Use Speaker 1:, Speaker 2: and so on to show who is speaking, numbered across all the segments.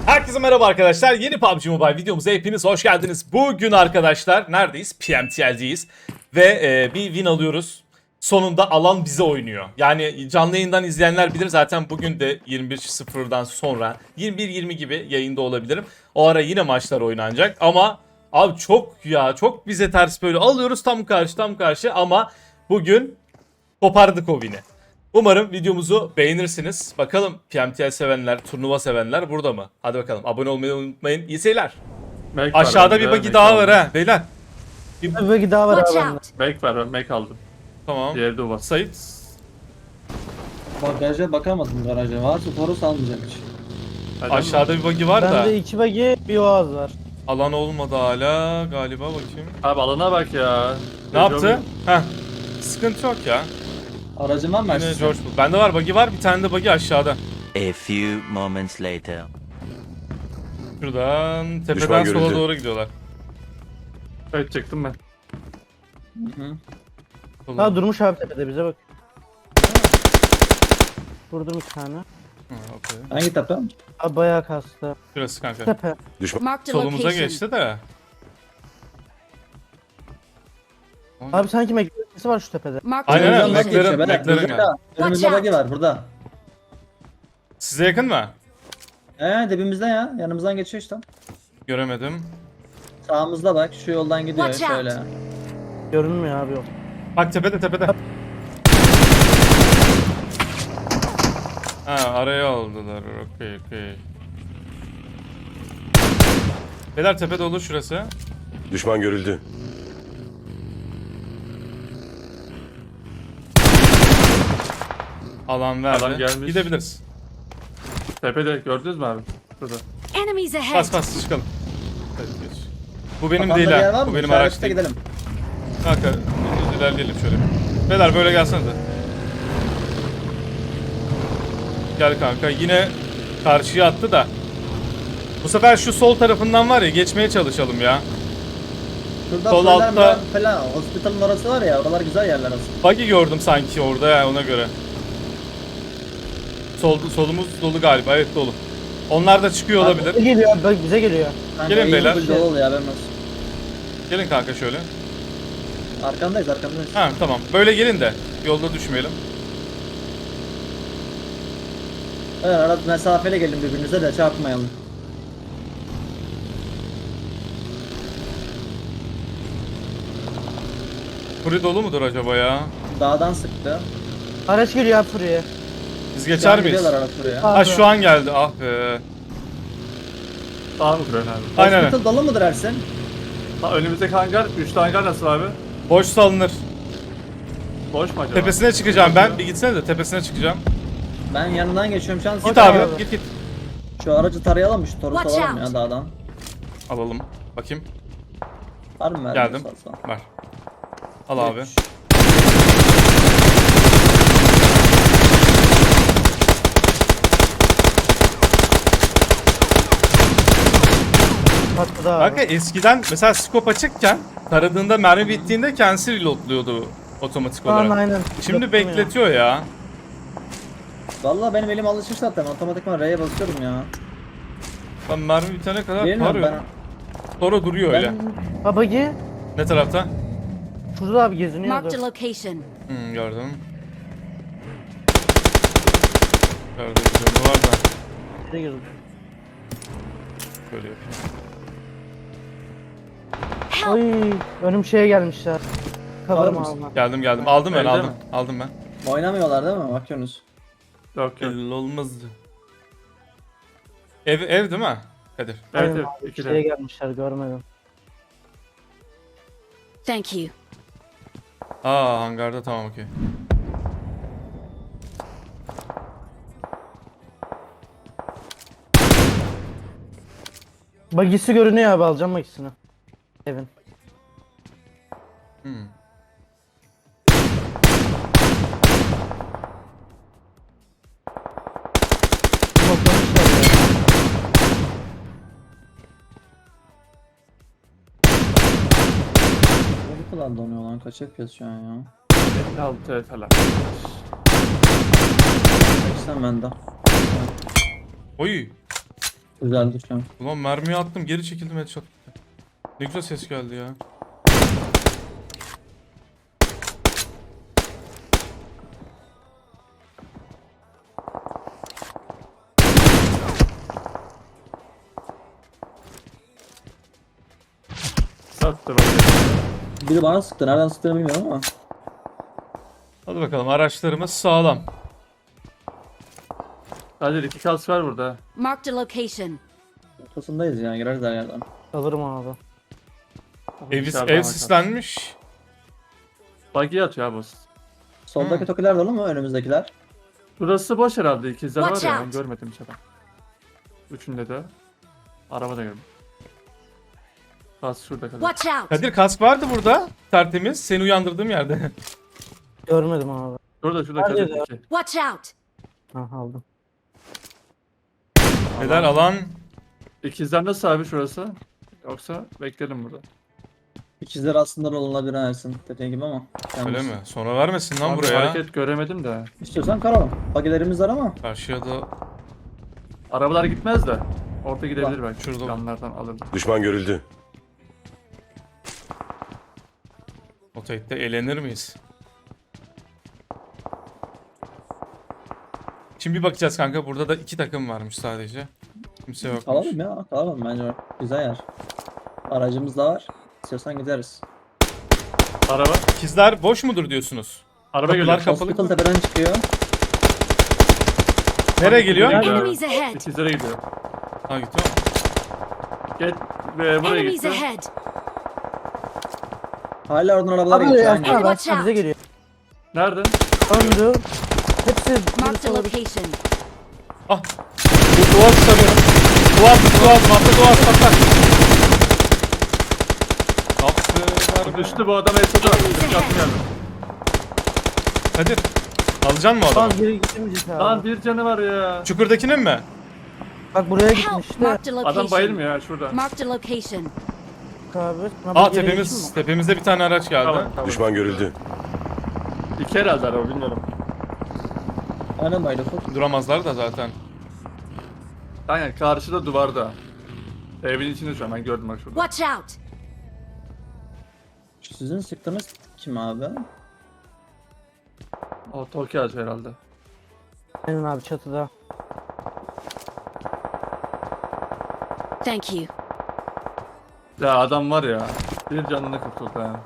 Speaker 1: Herkese merhaba arkadaşlar. Yeni PUBG Mobile videomuza hepiniz hoş geldiniz. Bugün arkadaşlar neredeyiz? PMTL'deyiz. Ve bir win alıyoruz. Sonunda alan bize oynuyor. Yani canlı yayından izleyenler bilir zaten bugün de 21.00'dan sonra 21.20 gibi yayında olabilirim. O ara yine maçlar oynanacak ama abi çok bize ters böyle alıyoruz tam karşı ama bugün kopardık o win'i. Umarım videomuzu beğenirsiniz. Bakalım PMTL sevenler, turnuva sevenler burada mı? Hadi bakalım. Abone olmayı unutmayın. İyi seyirler.
Speaker 2: Make
Speaker 1: Aşağıda
Speaker 2: var
Speaker 1: bir
Speaker 2: bende,
Speaker 1: buggy
Speaker 2: make
Speaker 1: daha
Speaker 2: aldım.
Speaker 1: var ha beyler.
Speaker 3: Bir bagi daha var
Speaker 4: Watch
Speaker 3: abi bende.
Speaker 4: out!
Speaker 2: Make var, ben make aldım.
Speaker 1: Tamam.
Speaker 2: Diğeri de var.
Speaker 1: Sait.
Speaker 5: Bagaja bakamadım garaja. Varsa Toros almayacakmış.
Speaker 2: Hadi
Speaker 1: Aşağıda bir buggy var da.
Speaker 3: Bende 2 bagi bir oğaz var.
Speaker 1: Alan olmadı hala galiba bakayım.
Speaker 2: Abi alana bak ya.
Speaker 1: Ne yaptı? Heh. Sıkıntı yok ya.
Speaker 5: Aracın var mı
Speaker 1: Yine
Speaker 5: Ersin?
Speaker 1: George Bull. Bende var buggy var. Bir tane de buggy aşağıda.
Speaker 6: A few moments later.
Speaker 1: Şuradan tepeden
Speaker 7: Düşman
Speaker 1: sola
Speaker 7: görüldü.
Speaker 1: doğru gidiyorlar.
Speaker 2: Evet çıktım ben.
Speaker 5: Hı.
Speaker 1: Sola.
Speaker 3: Ha durmuş abi tepede bize bak. Vurdum 2 tane.
Speaker 1: Ha, okey.
Speaker 5: Hangi tepe?
Speaker 3: Abi bayağı kastı.
Speaker 1: Şurası kanka.
Speaker 3: Tepe.
Speaker 4: Marked a
Speaker 1: Solumuza
Speaker 4: location.
Speaker 1: geçti de.
Speaker 3: Abi sanki mekanisi var şu tepede.
Speaker 4: Marked a
Speaker 1: Aynen,
Speaker 4: location.
Speaker 1: McLaren.
Speaker 5: geçiyor, beyler.
Speaker 1: McLaren
Speaker 5: Burada.
Speaker 1: yani.
Speaker 5: Önümüzde
Speaker 4: Watch
Speaker 5: bagi var burada.
Speaker 1: Size yakın mı?
Speaker 5: Dibimizde ya. Yanımızdan geçiyor işte.
Speaker 1: Göremedim.
Speaker 5: Sağımızda bak. Şu yoldan gidiyor
Speaker 4: Watch out.
Speaker 5: şöyle.
Speaker 3: Görünmüyor abi yok.
Speaker 1: Bak tepede. Ha araya aldılar. Okey. Beyler tepe dolu şurası.
Speaker 7: Düşman görüldü.
Speaker 1: Alan verdi.
Speaker 2: Adam gelmiş.
Speaker 1: Gidebiliriz.
Speaker 2: Tepede gördünüz mü abi? Burada.
Speaker 4: Enemies ahead.
Speaker 1: Bas çıkalım. Hadi geç. Bu benim
Speaker 5: Kafanda
Speaker 1: değil
Speaker 5: bir yer
Speaker 1: ha.
Speaker 5: var
Speaker 1: Bu
Speaker 5: mı?
Speaker 1: benim
Speaker 5: İşaretle
Speaker 1: araç değil.
Speaker 5: gidelim.
Speaker 1: Kanka ilerleyelim şöyle. Beyler böyle gelsenize. Gel kanka. Yine karşıya attı da. Bu sefer şu sol tarafından var ya geçmeye çalışalım ya.
Speaker 5: Şurada
Speaker 1: Sol
Speaker 5: Sol
Speaker 1: altta-
Speaker 5: falan. Hospital'ın orası var ya. Oralar güzel yerler aslında.
Speaker 1: Buggy gördüm sanki orada ya ona göre. Solumuz dolu galiba. Evet dolu. Onlar da çıkıyor olabilir.
Speaker 3: Bize geliyor abi bak bize geliyor.
Speaker 5: Kanka,
Speaker 1: Gelin
Speaker 5: iyi
Speaker 1: beyler.
Speaker 5: bir yol oluyor haberin olsun.
Speaker 1: Gelin kanka şöyle.
Speaker 5: Arkandayız.
Speaker 1: Ha tamam. Böyle gelin de yolda düşmeyelim.
Speaker 5: Evet, arada mesafeli gelin birbirinize de çarpmayalım.
Speaker 1: Kuri dolu mudur acaba ya?
Speaker 5: Dağdan sıktı.
Speaker 3: Araç geliyor abi buraya.
Speaker 1: Biz geçer miyiz?
Speaker 5: Gidiyorlar araç buraya.
Speaker 1: Ha şu an geldi. Ah be.
Speaker 2: Sağ mı kuruyorsun abi?
Speaker 1: Aynen.
Speaker 5: Hospital dolu mudur Ersin?
Speaker 2: Ha, önümüzdeki hangar, 3 hangar nasıl abi?
Speaker 1: Boş salınır.
Speaker 2: Boş mu acaba?
Speaker 1: Tepesine çıkacağım ben. Bir gitsene de tepesine çıkacağım.
Speaker 5: Ben yanından geçiyorum şu an.
Speaker 1: Git
Speaker 3: Okey
Speaker 1: abi.
Speaker 3: abi.
Speaker 1: Git.
Speaker 5: Şu aracı tarayalım mı? Şu Toros'u
Speaker 4: Watch
Speaker 5: alalım
Speaker 4: out.
Speaker 5: ya dağdan.
Speaker 1: Alalım. Bakayım.
Speaker 5: Var mı?
Speaker 1: Geldim. Var. Al abi.
Speaker 3: Patladı abi.
Speaker 1: Kanka eskiden mesela scope açıkken taradığında mermi bittiğinde kendisi reloadluyordu otomatik
Speaker 3: Şu an
Speaker 1: olarak.
Speaker 3: aynen.
Speaker 1: Şimdi
Speaker 3: Yaptım
Speaker 1: bekletiyor ya.
Speaker 5: Valla benim elim alışmış zaten. Otomatikman R'ye basıyorum ya.
Speaker 1: Ben mermi bitene kadar
Speaker 5: Bilmiyorum
Speaker 1: tarıyorum. Sonra duruyor öyle.
Speaker 3: ya. Ha bagi.
Speaker 1: Ne tarafta?
Speaker 3: Şurada abi geziniyor.
Speaker 4: Marked a location.
Speaker 1: Gördüm. Gördüm. Canı var da.
Speaker 3: Bize girdi.
Speaker 1: Böyle yapayım.
Speaker 3: Oy önüm şeye gelmişler. Kavarım
Speaker 5: Var mısın?
Speaker 3: abi.
Speaker 1: Geldim. Aldım ben
Speaker 2: Evde
Speaker 1: aldım.
Speaker 2: mi?
Speaker 1: Aldım ben.
Speaker 5: Oynamıyorlar değil mi? Bakıyorsunuz.
Speaker 2: Yok.
Speaker 1: Belli olmazdı. Ev değil mi? Kadir.
Speaker 2: Evet
Speaker 3: Aynen
Speaker 2: evet.
Speaker 3: abi,
Speaker 2: İki
Speaker 3: şeye
Speaker 2: de.
Speaker 3: gelmişler görmedim.
Speaker 4: Thank you.
Speaker 1: Aa hangarda tamam okey.
Speaker 3: Bagisi görünüyor abi alacağım bagisini. Evin.
Speaker 1: Hmm.
Speaker 3: Toplamışlar ya.
Speaker 5: Ne kadar donuyor lan? Kaç FPS şu an ya?
Speaker 2: 56 falan.
Speaker 5: Kaçtan bende.
Speaker 1: Oy.
Speaker 5: Güzel düşüyorum.
Speaker 1: Ulan mermiyi attım geri çekildim headshot. Ne güzel ses geldi ya.
Speaker 2: Sattı bak.
Speaker 5: Biri bana sıktı. Nereden sıktığını bilmiyorum ama.
Speaker 1: Hadi bakalım araçlarımız sağlam.
Speaker 2: Hadi 2 kas var burada.
Speaker 4: Marked a location.
Speaker 5: Ortasındayız yani. Gireriz her yerden.
Speaker 3: Alırım abi.
Speaker 2: Dışarıdan
Speaker 1: Ev
Speaker 2: bakalım.
Speaker 1: sislenmiş.
Speaker 2: Buggy atıyor abi.
Speaker 5: Soldaki tokiler dolu mu? Önümüzdekiler.
Speaker 2: Burası boş herhalde. İkizler var
Speaker 4: Watch
Speaker 2: ya. Ben
Speaker 4: out.
Speaker 2: görmedim hiç adam. Üçünde de. Araba da gördüm. Kas şurada kadar.
Speaker 4: Watch out!
Speaker 1: Kadir kask vardı burada. Tertemiz. Seni uyandırdığım yerde.
Speaker 3: Görmedim abi.
Speaker 2: Şurada
Speaker 3: Nerede
Speaker 2: kadar
Speaker 3: ya?
Speaker 2: iki.
Speaker 4: Watch out!
Speaker 3: Ha aldım.
Speaker 1: Neler alan.
Speaker 2: İkizler nasıl abi şurası? Yoksa beklerim burada.
Speaker 5: İkizler aslında olunabilir Ersin. Dediğin gibi ama.
Speaker 1: Öyle
Speaker 5: Yalnız.
Speaker 1: mi? Sonra vermesin lan
Speaker 2: Abi
Speaker 1: buraya.
Speaker 2: hareket göremedim de.
Speaker 5: İstiyorsan karalım. Bagilerimiz var ama.
Speaker 1: Karşıya da
Speaker 2: Arabalar gitmez de. Orta gidebilir belki.
Speaker 1: şurada.
Speaker 2: Yanlardan alırım.
Speaker 7: Düşman görüldü.
Speaker 1: o tekte eğlenir miyiz? Şimdi bir bakacağız kanka. Burada da 2 takım varmış sadece. Kimse yokmuş.
Speaker 5: Kalalım ya. Kalalım bence. Güzel yer. Aracımız da var. İstiyorsan gideriz.
Speaker 2: Araba.
Speaker 1: İkizler boş mudur diyorsunuz?
Speaker 2: Araba
Speaker 1: Kapılar
Speaker 2: geliyor.
Speaker 1: kapalı.
Speaker 5: Hospital tepeden çıkıyor.
Speaker 1: Nereye geliyor?
Speaker 2: Gidiyor.
Speaker 4: Enemies ahead!
Speaker 2: İkizlere gidiyor.
Speaker 1: Ha gitti mi?
Speaker 2: Gel ve buraya
Speaker 4: Enemies
Speaker 2: gitti.
Speaker 4: ahead!
Speaker 5: Hala oradan arabalar
Speaker 3: Abi
Speaker 5: geçiyor.
Speaker 3: Ersin
Speaker 5: Aynen.
Speaker 3: abi
Speaker 4: Watch
Speaker 3: Ersin abi bize
Speaker 4: out.
Speaker 3: geliyor.
Speaker 2: Nerede?
Speaker 3: Öndü. Hepsi
Speaker 4: Marked a location.
Speaker 1: Ah. Bu duvar sarıyorum. Duvar atla duvar atla. Kaptı.
Speaker 2: Düştü bu adam Esat'a.
Speaker 4: Enemies ahead.
Speaker 2: Yaptım geldim.
Speaker 1: Kadir. Alacaksın mı o adamı?
Speaker 3: Lan geri gitmeyecek abi.
Speaker 2: Lan bir canı var ya.
Speaker 1: Çukurdakinin mi?
Speaker 3: Bak buraya
Speaker 4: Help!
Speaker 3: gitmişti.
Speaker 4: Marked a location.
Speaker 2: Adam bayılmıyor ya şurada.
Speaker 4: Marked a location.
Speaker 3: Abi. Sana
Speaker 1: Aa
Speaker 3: bir geri
Speaker 1: tepemiz.
Speaker 3: geçeyim mi?
Speaker 1: Tepemizde bir tane araç geldi.
Speaker 2: Tamam.
Speaker 7: Düşman görüldü.
Speaker 2: İki herhalde araba bilmiyorum.
Speaker 5: Aynen bayılır. Ufuk.
Speaker 1: Duramazlar da zaten.
Speaker 2: Aynen karşıda duvarda. Evin içinde şu an ben gördüm bak şurada.
Speaker 4: Watch out!
Speaker 5: Sizin sıktığınız kim abi?
Speaker 2: O Tokyo ağacı herhalde.
Speaker 3: Aynen abi çatıda.
Speaker 4: Thank you.
Speaker 2: Ya adam var ya. Bir canını kurtuldu ha.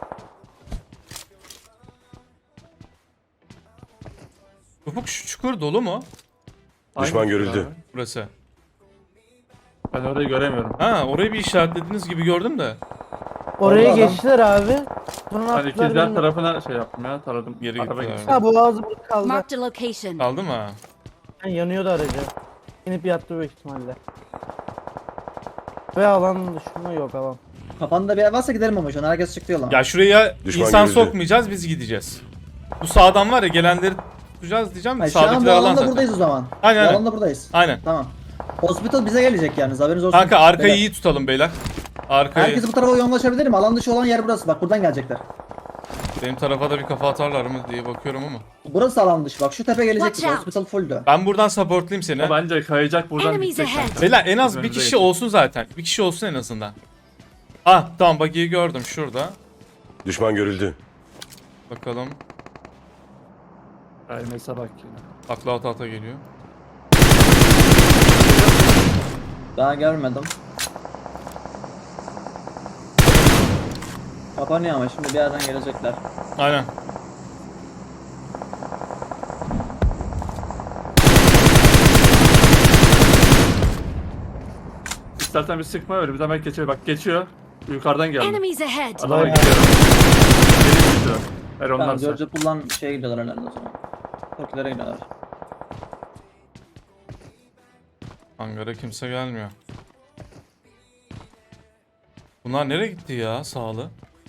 Speaker 1: Ufuk şu çukur dolu mu?
Speaker 7: Düşman
Speaker 2: Aynı
Speaker 7: görüldü.
Speaker 2: abi.
Speaker 1: Burası.
Speaker 2: Ben orayı göremiyorum.
Speaker 1: Ha orayı bir işaretlediğiniz gibi gördüm de.
Speaker 3: Oraya
Speaker 5: Orada adam.
Speaker 3: geçtiler abi. Sonra
Speaker 2: Hani
Speaker 3: attılar
Speaker 2: ikizler
Speaker 3: beni.
Speaker 2: tarafına şey yaptım ya taradım.
Speaker 1: Geri
Speaker 2: Araba
Speaker 1: gittiler.
Speaker 2: geçti.
Speaker 3: Ha bu ağzı burada kaldı.
Speaker 4: Marked a location.
Speaker 1: Aldı mı?
Speaker 3: Yani yanıyordu aracı. İnip yattı büyük ihtimalle. Ve alan düşme yok alan.
Speaker 5: Kafanda bir yer varsa gidelim ama şu an herkes çıktı yola.
Speaker 1: Ya şuraya
Speaker 7: Düşman
Speaker 1: insan
Speaker 7: görüldü.
Speaker 1: sokmayacağız biz gideceğiz. Bu sağdan var ya gelenleri tutacağız diyeceğim de
Speaker 5: Hayır, şu an bu
Speaker 1: sağdakiler alan
Speaker 5: alanda
Speaker 1: zaten.
Speaker 5: buradayız o zaman.
Speaker 1: Aynen,
Speaker 5: Bu
Speaker 1: aynen.
Speaker 5: alanda buradayız.
Speaker 1: Aynen.
Speaker 5: Tamam. Hospital bize gelecek yani haberiniz olsun.
Speaker 1: Kanka arkayı
Speaker 5: Beyler,
Speaker 1: iyi tutalım beyler. Arkayı.
Speaker 5: Herkes bu tarafa yoğunlaşabilir mi? Alan dışı olan yer burası. Bak buradan gelecekler.
Speaker 1: Benim tarafa da bir kafa atarlar mı diye bakıyorum ama.
Speaker 5: Burası alan dışı. Bak şu tepe gelecek.
Speaker 4: Watch out.
Speaker 5: Hospital fulldü.
Speaker 1: Ben buradan supportlayayım seni.
Speaker 2: O bence kayacak buradan
Speaker 4: Enemies
Speaker 2: gidecek.
Speaker 4: ahead.
Speaker 1: Beyler en az bir
Speaker 2: Önümüze
Speaker 1: kişi
Speaker 2: geçin.
Speaker 1: olsun zaten. Bir kişi olsun en azından. Ah tamam bagiyi gördüm şurada.
Speaker 7: Düşman görüldü.
Speaker 1: Bakalım.
Speaker 2: Ay mesela bak yine.
Speaker 1: Akla ata geliyor.
Speaker 5: Daha görmedim. Kapanıyor ama şimdi bir yerden gelecekler.
Speaker 1: Aynen.
Speaker 2: İstersen bir sıkma öyle bir zaman geçiyor. Bak geçiyor. Yukarıdan geldi.
Speaker 4: Enemies ahead!
Speaker 2: Adama
Speaker 3: Vay.
Speaker 2: gidiyor. Geri gidiyor. Ver
Speaker 5: Tamam,
Speaker 2: ondan sonra.
Speaker 5: George Pool'dan şeye gidiyorlar herhalde o zaman. Tokilere gidiyorlar.
Speaker 1: Hangara kimse gelmiyor. Bunlar nereye gitti ya sağlı?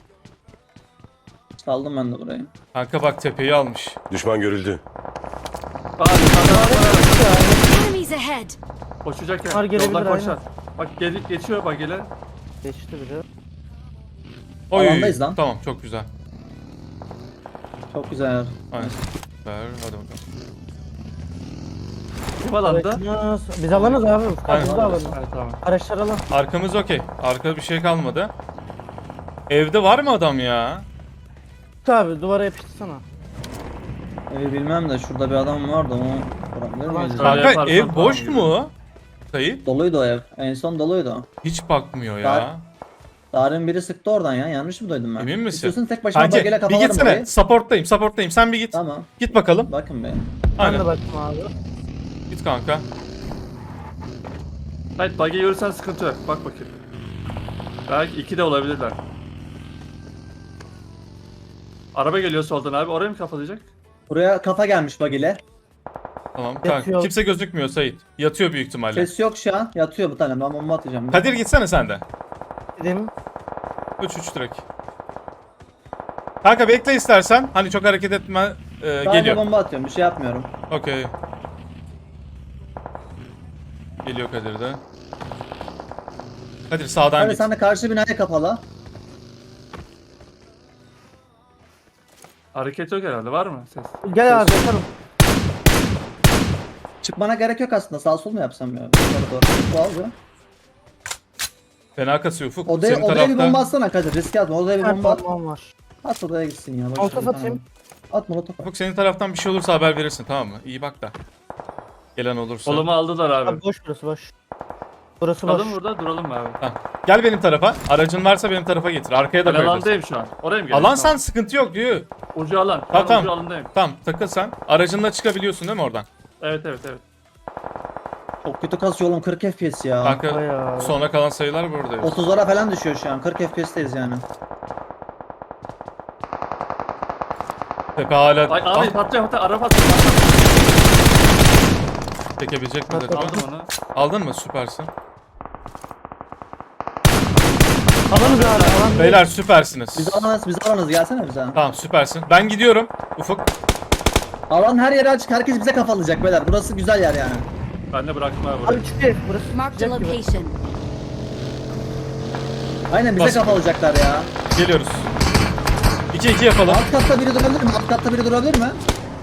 Speaker 5: Saldım ben de burayı.
Speaker 1: Kanka bak tepeyi almış.
Speaker 7: Düşman görüldü.
Speaker 2: Aa, yukarıdan var.
Speaker 4: Enemies ahead!
Speaker 2: Koşacak ya.
Speaker 3: Var, gelebilir,
Speaker 2: Yoldan
Speaker 3: aynen.
Speaker 2: koşar. Bak geçiyor bak gele.
Speaker 3: Geçti biri.
Speaker 1: Oy.
Speaker 5: Alandayız lan.
Speaker 1: Tamam çok güzel.
Speaker 5: Çok güzel yer.
Speaker 1: Aynen. Ver hadi bakalım.
Speaker 2: Kim alanda?
Speaker 3: Aracınız. Biz alanız abi.
Speaker 1: Aynen.
Speaker 3: Biz de alalım.
Speaker 2: Evet tamam.
Speaker 3: Araçlar alan.
Speaker 1: Arkamız okey. Arkada bir şey kalmadı. Evde var mı adam ya?
Speaker 3: Abi duvara yapıştırsana.
Speaker 5: Bilmem de şurada bir adam vardı onu vurabilir miyiz?
Speaker 2: Öyle
Speaker 1: Kanka
Speaker 2: yaparsan
Speaker 1: ev
Speaker 2: tamam
Speaker 1: boş
Speaker 2: gibi.
Speaker 1: mu? Kayıp.
Speaker 5: Doluydu o ev. En son doluydu.
Speaker 1: Hiç bakmıyor ya.
Speaker 5: Tarih'in biri sıktı oradan ya. Yanlış mı duydum ben?
Speaker 1: Emin misin?
Speaker 5: İstiyorsan tek başına
Speaker 1: Kanki
Speaker 5: bageyle
Speaker 1: bir
Speaker 5: kafalarım
Speaker 1: gitsene.
Speaker 5: orayı.
Speaker 1: Supporttayım. Sen bir git.
Speaker 5: Tamam.
Speaker 1: Git bakalım.
Speaker 5: Bakın be.
Speaker 3: Ben
Speaker 1: Aynen.
Speaker 3: de baktım abi.
Speaker 1: Git kanka.
Speaker 2: Hayır bug'i görürsen sıkıntı yok. Bak bakayım. Belki 2 de olabilirler. Araba geliyor soldan abi. Oraya mı kafalayacak?
Speaker 5: Buraya kafa gelmiş bageyle.
Speaker 1: Tamam kanka.
Speaker 3: Yatıyor.
Speaker 1: Kimse gözükmüyor Sait. Yatıyor büyük ihtimalle.
Speaker 5: Ses yok şu an. Yatıyor bu tane. Ben bomba atacağım.
Speaker 1: Kadir gitsene sen de.
Speaker 3: Dedim.
Speaker 1: 3 direkt. Kanka bekle istersen. Hani çok hareket etme.
Speaker 5: Sadece
Speaker 1: Geliyor.
Speaker 5: bomba atıyorum. Bir şey yapmıyorum.
Speaker 1: Okey. Geliyor Kadir de. Kadir sağdan
Speaker 5: Hadi
Speaker 1: git.
Speaker 5: sen de karşı binaya kapalı.
Speaker 2: Hareket yok herhalde. Var mı ses?
Speaker 3: Gel abi yaparım.
Speaker 5: Çıkmana gerek yok aslında. Sağ sol mu yapsam ya? Yukarı doğru. Bu aldı.
Speaker 1: Fena kasıyor Ufuk.
Speaker 5: Odaya,
Speaker 1: Senin
Speaker 5: odaya bir bomba
Speaker 1: tarafta.
Speaker 5: atsana Kadir. Riske atma. Odaya bir
Speaker 3: Her
Speaker 5: bomba at.
Speaker 3: bombam var.
Speaker 5: At odaya gitsin ya. Boş
Speaker 3: Molotof
Speaker 5: ver,
Speaker 3: atayım.
Speaker 5: tamam. At molotof at.
Speaker 1: Ufuk senin taraftan bir şey olursa haber verirsin tamam mı? İyi bak da. Gelen olursa.
Speaker 2: Kolumu aldılar abi.
Speaker 3: Abi boş burası boş. Burası boş.
Speaker 2: Duralım burada duralım mı abi?
Speaker 1: Tamam. Gel benim tarafa. Aracın varsa benim tarafa getir. Arkaya da
Speaker 2: Ben
Speaker 1: koyabilirsin.
Speaker 2: alandayım şu an. Oraya mı
Speaker 1: Alan
Speaker 2: geliyorsun?
Speaker 1: sen sıkıntı yok diyor.
Speaker 2: Ucu alan. Şu
Speaker 1: Tamam,
Speaker 2: an
Speaker 1: tamam.
Speaker 2: ucu alandayım.
Speaker 1: Tamam takıl sen. Aracınla çıkabiliyorsun değil mi oradan?
Speaker 2: Evet evet evet.
Speaker 5: Çok kötü kasıyor oğlum. 40 FPS ya.
Speaker 1: Kanka
Speaker 3: Bayağı.
Speaker 1: sonra kalan sayılar buradayız.
Speaker 5: 30'lara falan düşüyor şu an. 40 FPS'teyiz yani.
Speaker 1: Tepe hala...
Speaker 2: Ay abi
Speaker 1: Ah,
Speaker 2: patlıyor araba patlıyor.
Speaker 1: çekebilecek mi acaba?
Speaker 2: Aldım onu.
Speaker 1: Aldın mı? Süpersin.
Speaker 3: Alanız abi alan.
Speaker 1: Beyler süpersiniz.
Speaker 5: Biz alanız gelsene bize.
Speaker 1: Tamam süpersin. Ben gidiyorum. Ufuk.
Speaker 5: Alan her yere açık. Herkes bize kafalayacak beyler. Burası güzel yer yani.
Speaker 2: Ben de bıraktım abi burayı.
Speaker 3: Abi çıkıyor. Burası
Speaker 4: Marked a
Speaker 3: sıcak gibi.
Speaker 4: location.
Speaker 5: Aynen bize
Speaker 1: Basın.
Speaker 5: kafalayacaklar ya.
Speaker 1: Geliyoruz. 2-2 yapalım.
Speaker 5: Alt katta biri durabilir mi? Alt katta biri durabilir mi?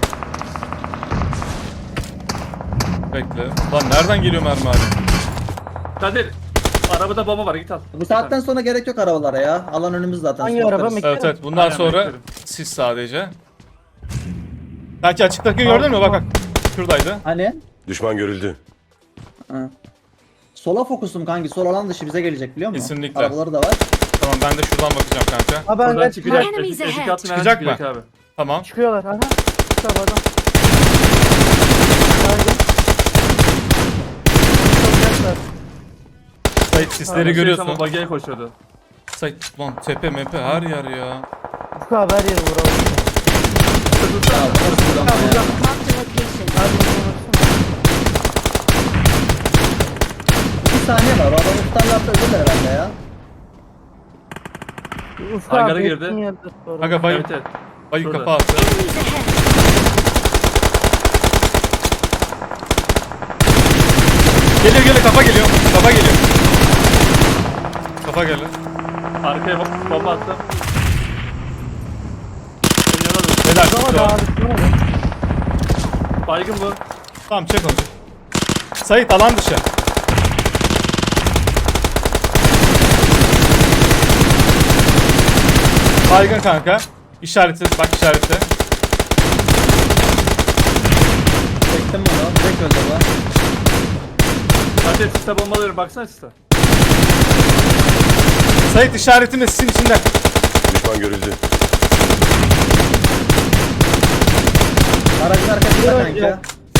Speaker 1: Bekle. Lan nereden geliyor mermi abi?
Speaker 2: Kadir. Arabada bomba var git al.
Speaker 5: Bu saatten sonra gerek yok arabalara ya. Alan önümüz zaten.
Speaker 3: Hangi
Speaker 5: Spotlarız.
Speaker 3: araba?
Speaker 1: Evet evet. Bundan
Speaker 2: Aynen,
Speaker 1: sonra
Speaker 2: beklerim.
Speaker 1: siz sadece. Belki açıktaki gördün mü? Bak bak. Şuradaydı.
Speaker 5: Hani?
Speaker 7: Düşman görüldü.
Speaker 5: Ha. Sola fokusum kanki. Sol alan dışı bize gelecek biliyor musun?
Speaker 1: Kesinlikle.
Speaker 5: Arabaları da var.
Speaker 1: Tamam ben de şuradan bakacağım kanka.
Speaker 3: Abi
Speaker 2: Buradan
Speaker 3: ben
Speaker 2: çıkacak.
Speaker 4: Enemies
Speaker 2: Eski
Speaker 4: ahead.
Speaker 2: katlı
Speaker 1: Çıkacak
Speaker 2: çıkacak
Speaker 1: mı?
Speaker 2: abi.
Speaker 1: Tamam.
Speaker 3: Çıkıyorlar. Aha. Çıktı abi adam. Çıkacaklar.
Speaker 1: Sait sisleri
Speaker 2: Şey,
Speaker 1: görüyorsun.
Speaker 2: tamam, bagiye koşuyordu.
Speaker 1: Sait lan tepe mepe her yer ya.
Speaker 3: Ufuk abi her yeri vuralım.
Speaker 5: Ya, burası buradan ya.
Speaker 4: Marked a location.
Speaker 3: Abi vuralım.
Speaker 5: 2 saniye var. O adamı tutarlarsa ölürler herhalde ya.
Speaker 3: Ufuk
Speaker 2: Hangara
Speaker 3: abi
Speaker 2: girdi.
Speaker 3: yakın yerde doğru.
Speaker 1: Kanka bayı,
Speaker 2: Evet evet.
Speaker 1: bayı
Speaker 2: Şurada.
Speaker 1: kafa attı.
Speaker 4: Enemies ahead.
Speaker 1: Geliyor kafa geliyor. Kafa geliyor. Kafa geldi.
Speaker 2: Arkaya bomba attım. Senin yana dur.
Speaker 1: Beyler
Speaker 3: Ama
Speaker 1: çıktı
Speaker 3: da
Speaker 1: o.
Speaker 3: abi. ne oldu?
Speaker 2: Baygın bu.
Speaker 1: Tamam çek onu. Sait alan dışı. Baygın kanka. İşareti bak işareti.
Speaker 5: Çektim bunu. Direkt öldü bu.
Speaker 2: Kadir siste bombalıyorum baksana siste.
Speaker 1: Sait işaretin de sizin içinde.
Speaker 7: Düşman görüldü.
Speaker 5: Aracın arkasında
Speaker 3: Yok,
Speaker 5: kanki.
Speaker 3: yok.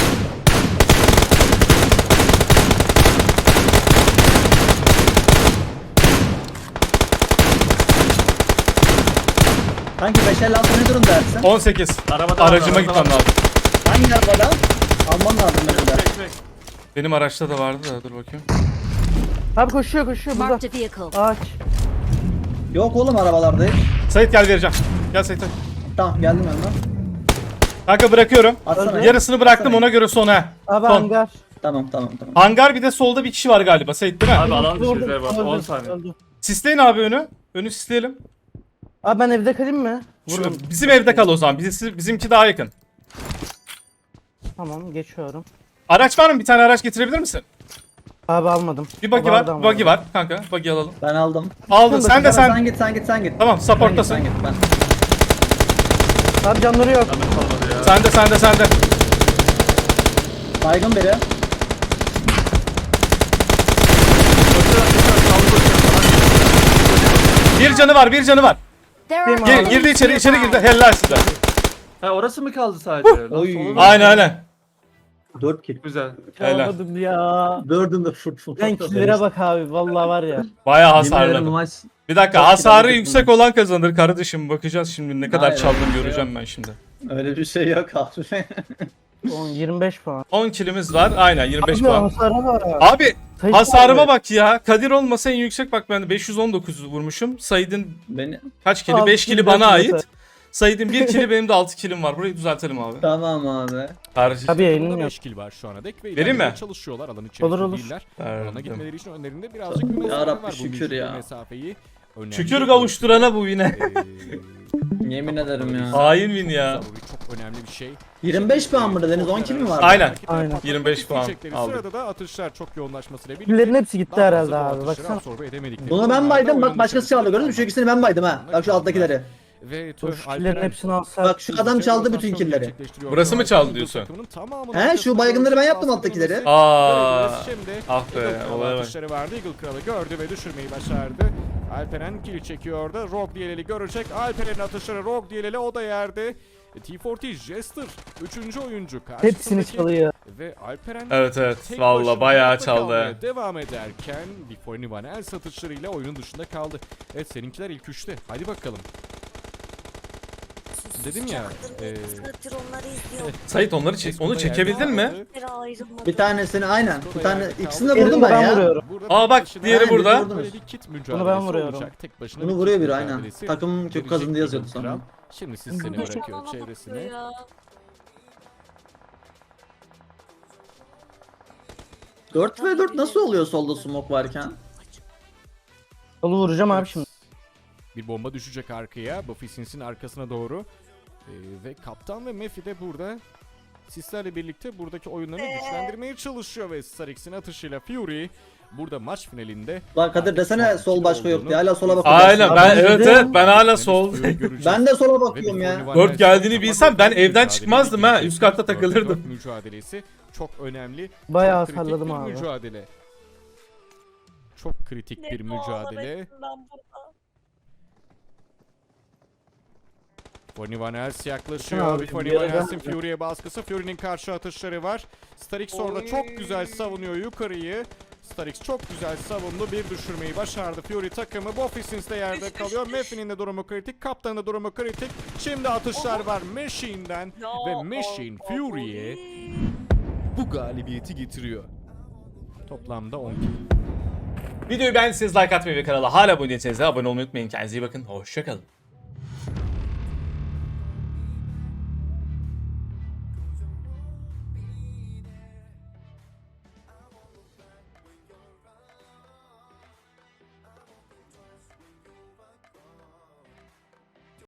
Speaker 5: Kanki 556 ne durumda Ersin?
Speaker 1: 18.
Speaker 2: Arabada
Speaker 1: Aracıma
Speaker 2: var,
Speaker 1: gitmem
Speaker 2: arabada var.
Speaker 1: lazım.
Speaker 5: Hangi arabadan? Alman lazım benim de.
Speaker 2: Çek çek.
Speaker 1: Benim araçta da vardı da dur bakayım.
Speaker 3: Abi koşuyor burada.
Speaker 4: Marked a vehicle.
Speaker 3: Ağaç.
Speaker 5: Yok oğlum arabalarda hiç.
Speaker 1: Sait gel vereceğim. Gel Sait.
Speaker 5: Tamam geldim yanına.
Speaker 1: Kanka bırakıyorum.
Speaker 5: Atsana.
Speaker 1: Yarısını bıraktım ona göre sona.
Speaker 3: Abi
Speaker 1: Son.
Speaker 3: hangar.
Speaker 5: Tamam.
Speaker 1: Hangar bir de solda bir kişi var galiba Sait değil mi?
Speaker 2: Abi alan dışı
Speaker 3: Öldü,
Speaker 2: bize bak. 10
Speaker 3: öldü,
Speaker 2: saniye.
Speaker 3: öldü.
Speaker 1: Sisleyin abi önü. Önü sisleyelim.
Speaker 3: Abi ben evde kalayım mı?
Speaker 1: Şu,
Speaker 3: Vururum.
Speaker 1: bizim evde kal o zaman. Bizimki daha yakın.
Speaker 3: Tamam geçiyorum.
Speaker 1: Araç var mı? Bir tane araç getirebilir misin?
Speaker 3: Abi almadım.
Speaker 1: Bir buggy
Speaker 3: Vardı
Speaker 1: var.
Speaker 3: ama.
Speaker 1: Buggy var kanka. Buggy alalım.
Speaker 5: Ben aldım.
Speaker 1: Aldın. Sen de
Speaker 5: Sen
Speaker 1: sen.
Speaker 5: git sen git sen git.
Speaker 1: Tamam supporttasın.
Speaker 5: Sen git, ben.
Speaker 3: Abi canları yok.
Speaker 2: Canım kalmadı ya.
Speaker 1: Sen de.
Speaker 5: Baygın biri.
Speaker 1: Bir canı var.
Speaker 4: There are
Speaker 3: Girdi
Speaker 1: Girdi
Speaker 4: enemies
Speaker 1: içeri
Speaker 4: nearby.
Speaker 1: girdi. Helal size.
Speaker 2: Ha orası mı kaldı sadece? Lan
Speaker 5: Oy.
Speaker 2: solu da-
Speaker 1: Aynen.
Speaker 5: 4 kill.
Speaker 2: Güzel.
Speaker 1: Helal.
Speaker 3: Alamadım ya.
Speaker 5: Dördün de full.
Speaker 3: Ben killere bak abi. Vallahi var ya.
Speaker 1: Bayağı
Speaker 5: Yemin ederim bu
Speaker 1: hasarladım.
Speaker 5: maç.
Speaker 1: Bir dakika
Speaker 5: Çok
Speaker 1: hasarı
Speaker 5: kilometre
Speaker 1: yüksek olan kazanır kardeşim. Bakacağız şimdi ne kadar
Speaker 5: Hayır,
Speaker 1: çaldım
Speaker 5: öyle bir şey
Speaker 1: göreceğim ben şimdi.
Speaker 5: Öyle bir şey yok abi.
Speaker 3: 25 puan.
Speaker 1: 10 kilimiz var. Aynen 25
Speaker 3: Abi
Speaker 1: puan.
Speaker 3: hasara var.
Speaker 1: Abi
Speaker 3: Sayın
Speaker 1: hasarıma
Speaker 3: abi.
Speaker 1: bak ya. Kadir olmasa en yüksek bak ben de 519 vurmuşum. Said'in
Speaker 5: Beni.
Speaker 1: kaç kili?
Speaker 3: Altı
Speaker 1: 5 kili
Speaker 3: kili
Speaker 1: bana
Speaker 3: zaten.
Speaker 1: ait. Said'in 1 kili benim de 6 kilim var. Burayı düzeltelim abi.
Speaker 5: Tamam abi.
Speaker 1: Kardeşim.
Speaker 3: Abi yayınım
Speaker 8: Burada
Speaker 3: yok.
Speaker 8: 5 kill var şu ana dek ve
Speaker 1: Vereyim
Speaker 8: ilerlemeye
Speaker 1: mi?
Speaker 8: çalışıyorlar alan içerisinde
Speaker 3: Olur, olur.
Speaker 8: değiller.
Speaker 1: Verdim.
Speaker 8: Alana gitmeleri için önlerinde birazcık bir
Speaker 5: Ya
Speaker 8: mesafe
Speaker 5: Rabbi,
Speaker 8: var. Bu
Speaker 5: şükür
Speaker 8: mevcut
Speaker 5: ya.
Speaker 8: mesafeyi önemli
Speaker 1: Şükür kavuşturana bu yine.
Speaker 5: Yemin ederim ya.
Speaker 1: Hain win ya.
Speaker 8: Zaruri, çok önemli bir şey.
Speaker 5: 25 puan mı dediniz? 10 kill mi var?
Speaker 1: Aynen.
Speaker 3: Aynen.
Speaker 1: 25 puan
Speaker 8: İsteyecekleri
Speaker 1: aldık.
Speaker 8: Sırada da atışlar çok yoğunlaşmasıyla birlikte.
Speaker 3: Killerin hepsi gitti
Speaker 8: daha
Speaker 3: herhalde
Speaker 8: fazla bu
Speaker 3: abi.
Speaker 8: atışları
Speaker 3: Baksana.
Speaker 8: absorbe edemedikleri
Speaker 5: Bunu ben
Speaker 8: durumlarda
Speaker 5: baydım. Bak
Speaker 8: oyunun
Speaker 5: başkası çaldı gördün mü? Şu ikisini ben baydım ha. Bak şu alttakileri.
Speaker 8: Ve
Speaker 3: Dur,
Speaker 8: tüh,
Speaker 3: şu killerin
Speaker 8: Alperen
Speaker 3: hepsini alsa.
Speaker 5: Bak şu adam çaldı bütün killleri.
Speaker 8: gerçekleştiriyor.
Speaker 1: Burası mı çaldı diyorsun?
Speaker 8: Takımının tamamının
Speaker 5: He şu
Speaker 8: arkasında
Speaker 5: baygınları ben yaptım
Speaker 8: baskı
Speaker 5: alttakileri.
Speaker 8: dönmesi.
Speaker 1: Aa.
Speaker 8: Şimdi
Speaker 1: Ah be,
Speaker 8: Eagle Kralı
Speaker 1: olaya bak.
Speaker 8: atışları vardı. Eagle Kralı gördü ve düşürmeyi başardı. Alperen kill çekiyordu. Rogue Diyeleli görecek. Alperen'in atışları Rogue Diyeleli o da yerde. T40 Jester 3. oyuncu
Speaker 3: Hepsini
Speaker 8: karşısındaki
Speaker 3: çalıyor.
Speaker 8: ve Alperen
Speaker 1: Evet
Speaker 8: tek
Speaker 1: valla
Speaker 8: başına
Speaker 1: bayağı
Speaker 8: hayatta
Speaker 1: çaldı.
Speaker 8: kalmaya devam ederken Before Van el satışlarıyla oyunun dışında kaldı. Evet seninkiler ilk 3'te. Hadi bakalım. Dedim ya.
Speaker 9: Onları izliyorum.
Speaker 1: Sait onları onu çekebildin mi?
Speaker 9: Bir ayrılmadı.
Speaker 5: Bir tanesini aynen. Bir tane ikisini de
Speaker 3: Birini
Speaker 5: vurdum ben
Speaker 3: ben
Speaker 5: ya.
Speaker 3: vuruyorum.
Speaker 1: Aa, bak, diğeri
Speaker 5: Aynen,
Speaker 1: burada.
Speaker 5: birini vurdunuz.
Speaker 8: Böyle bir kit
Speaker 3: Bunu ben
Speaker 8: mücadelesi
Speaker 3: vuruyorum.
Speaker 8: olacak. Tek başına
Speaker 5: Bunu
Speaker 8: bir
Speaker 5: vuruyor
Speaker 8: kit
Speaker 5: biri aynen.
Speaker 8: mücadelesi
Speaker 5: Takım çok
Speaker 8: verecek
Speaker 5: kazındı yazıyordu
Speaker 8: Eagle
Speaker 5: sonra.
Speaker 8: Kral. Şimdi siz seni
Speaker 9: Bana
Speaker 8: bırakıyor
Speaker 9: bakıyor
Speaker 8: çevresine.
Speaker 9: ya.
Speaker 5: 4 ve 4 nasıl oluyor solda smoke varken?
Speaker 3: Yolu vuracağım abi şimdi.
Speaker 8: Bir bomba düşecek arkaya. Buffy Sins'in arkasına doğru. Ve Kaptan ve Mephi de burada sislerle birlikte buradaki oyunlarını güçlendirmeye çalışıyor ve Starix'in atışıyla Fury burada maç finalinde.
Speaker 5: Lan Kadir desene sol başka yok diye hala sola
Speaker 1: Aynen
Speaker 5: bakıyorsun.
Speaker 1: ben
Speaker 3: Abi,
Speaker 1: evet
Speaker 3: dedim.
Speaker 1: evet ben hala sol.
Speaker 5: Ben de sola bakıyorum ya.
Speaker 1: 4 geldiğini bilsem ben evden çıkmazdım ha. Üst katta takılırdım.
Speaker 8: Mücadelesi çok önemli.
Speaker 3: Bayağı
Speaker 8: çok kritik
Speaker 3: salladım
Speaker 8: bir
Speaker 3: abi.
Speaker 8: mücadele. Çok kritik bir mücadele. Bonnie Van Els yaklaşıyor.
Speaker 3: Abi,
Speaker 8: Bonnie
Speaker 3: bir
Speaker 8: Van
Speaker 3: yere
Speaker 8: Els'in Fury'ye baskısı. Fury'nin karşı atışları var. Starix orada çok güzel savunuyor yukarıyı. Starix çok güzel savundu. Bir düşürmeyi başardı. Fury takımı. Bofisins de yerde kalıyor. Mephi'nin de durumu kritik. Kaptanın da durumu kritik. Şimdi atışlar var Machine'den. Ve Machine Fury'ye bu galibiyeti getiriyor. Toplamda 10 kill.
Speaker 1: Videoyu beğendiyseniz like atmayı ve kanala hala abone değilseniz de abone olmayı unutmayın. Kendinize iyi bakın. Hoşçakalın.